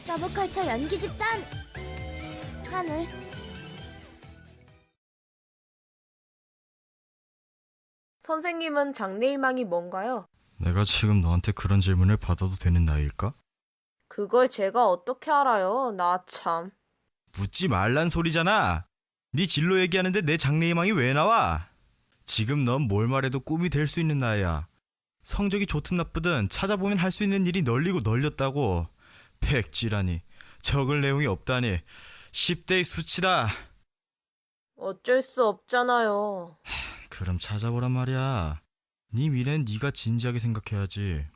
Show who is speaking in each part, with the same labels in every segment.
Speaker 1: 서브컬처 연기 집단 하늘.
Speaker 2: 선생님은 장래희망이 뭔가요?
Speaker 3: 내가 지금 너한테 그런 질문을 받아도 되는 나이일까?
Speaker 2: 그걸 제가 어떻게 알아요? 나 참.
Speaker 3: 묻지 말란 소리잖아. 네 진로 얘기하는데 내 장래희망이 왜 나와? 지금 넌 뭘 말해도 꿈이 될 수 있는 나이야. 성적이 좋든 나쁘든 찾아보면 할 수 있는 일이 널리고 널렸다고. 백지라니. 적을 내용이 없다니. 10대의 수치다.
Speaker 2: 어쩔 수 없잖아요.
Speaker 3: 그럼 찾아보란 말이야. 네 미래는 네가 진지하게 생각해야지.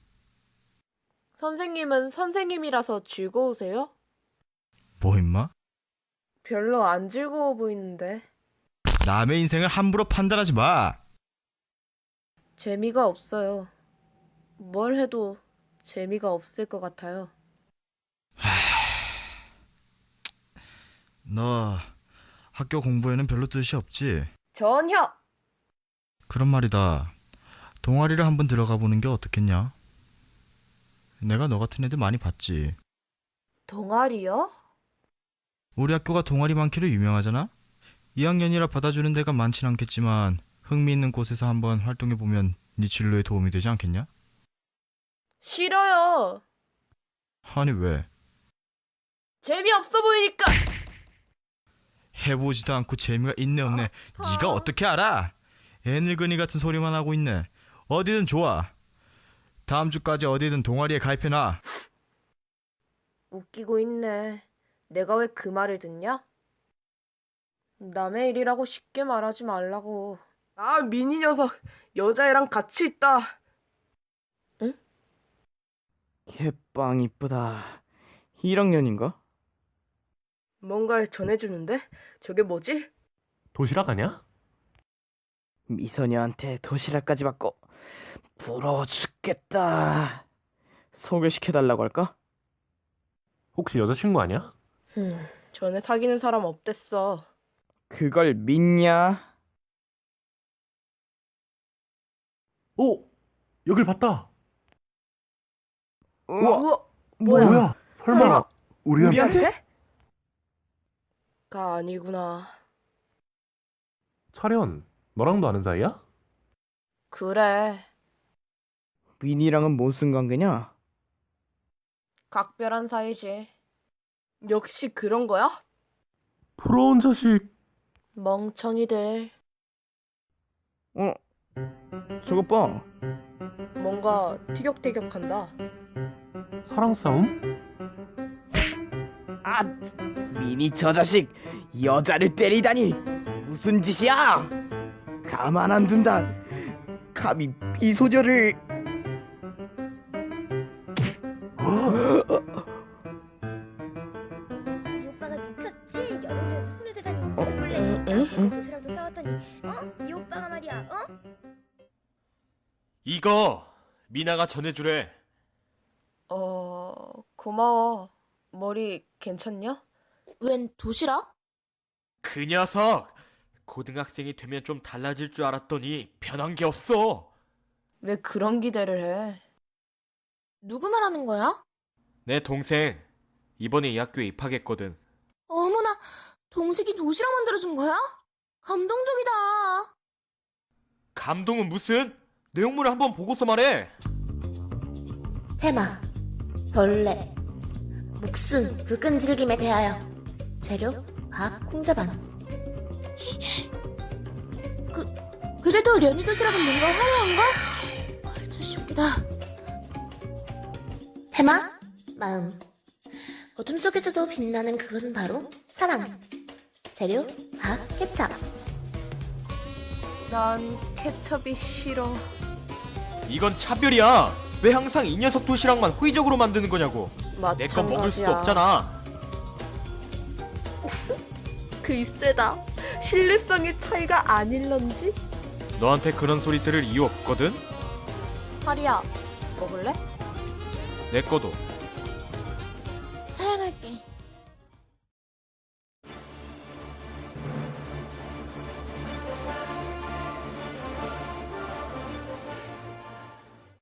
Speaker 2: 선생님은 선생님이라서 즐거우세요?
Speaker 3: 뭐 임마?
Speaker 2: 별로 안 즐거워 보이는데.
Speaker 3: 남의 인생을 함부로 판단하지 마.
Speaker 2: 재미가 없어요. 뭘 해도 재미가 없을 것 같아요.
Speaker 3: 너 학교 공부에는 별로 뜻이 없지?
Speaker 2: 전혀!
Speaker 3: 그런 말이다. 동아리를 한번 들어가 보는 게 어떻겠냐? 내가 너 같은 애들 많이 봤지.
Speaker 2: 동아리요?
Speaker 3: 우리 학교가 동아리 많기로 유명하잖아? 2학년이라 받아주는 데가 많진 않겠지만 흥미있는 곳에서 한번 활동해보면 네 진로에 도움이 되지 않겠냐?
Speaker 2: 싫어요.
Speaker 3: 아니 왜?
Speaker 2: 재미없어 보이니까.
Speaker 3: 해보지도 않고 재미가 있네 없네. 네가 어떻게 알아? 애늙은이 같은 소리만 하고 있네. 어디든 좋아. 다음 주까지 어디든 동아리에 가입해놔.
Speaker 2: 웃기고 있네. 내가 왜 그 말을 듣냐? 남의 일이라고 쉽게 말하지 말라고. 아, 미니 녀석. 여자애랑 같이 있다.
Speaker 4: 개빵 이쁘다. 1학년인가?
Speaker 2: 뭔가를 전해주는데? 저게 뭐지?
Speaker 5: 도시락 아냐?
Speaker 4: 미소녀한테 도시락까지 받고 부러워 죽겠다. 소개시켜달라고 할까?
Speaker 5: 혹시 여자친구 아냐?
Speaker 2: 전에 사귀는 사람 없댔어.
Speaker 4: 그걸 믿냐?
Speaker 5: 오! 여길 봤다!
Speaker 2: 우와, 뭐야?
Speaker 5: 설마 우리한테?
Speaker 2: 우리한테? 가 아니구나.
Speaker 5: 차련, 너랑도 아는 사이야?
Speaker 2: 그래.
Speaker 4: 민이랑은 무슨 관계냐?
Speaker 2: 각별한 사이지. 역시 그런 거야?
Speaker 5: 부러운 자식.
Speaker 2: 멍청이들.
Speaker 4: 어? 저것 봐.
Speaker 2: 뭔가 티격태격한다.
Speaker 5: 사랑 싸움?
Speaker 4: 아, 미니 저 자식 여자를 때리다니 무슨 짓이야? 가만 안 둔다. 감히 미소녀를.
Speaker 1: 이 오빠가 미쳤지? 여동생한테 손을 대자니 죽을래 이 새끼한테. 도시락도 싸웠더니 이 오빠가 말이야.
Speaker 6: 이거 미나가 전해주래.
Speaker 2: 고마워. 머리 괜찮냐?
Speaker 1: 웬 도시락?
Speaker 6: 그 녀석 고등학생이 되면 좀 달라질 줄 알았더니 변한 게 없어.
Speaker 2: 왜 그런 기대를 해?
Speaker 1: 누구 말하는 거야?
Speaker 6: 내 동생 이번에 이 학교에 입학했거든.
Speaker 1: 어머나, 동식이 도시락 만들어준 거야? 감동적이다.
Speaker 6: 감동은 무슨? 내용물을 한번 보고서 말해.
Speaker 7: 테마 벌레 목순 그 끈질김에 대하여 재료 밥 콩자반 그래도 련이 도시락은 뭔가 화려한걸? 컬처 쇼크다. 테마 마음 어둠 속에서도 빛나는 그것은 바로 사랑 재료 밥 케찹
Speaker 2: 난 케첩이 싫어.
Speaker 6: 이건 차별이야. 왜 항상 이 녀석 도시락만 호의적으로 만드는 거냐고. 내 건 먹을 수도 없잖아.
Speaker 2: 글쎄다. 신뢰성의 차이가 아닐런지?
Speaker 6: 너한테 그런 소리 들을 이유 없거든.
Speaker 2: 하리야, 먹을래?
Speaker 6: 내 거도.
Speaker 7: 사양할게.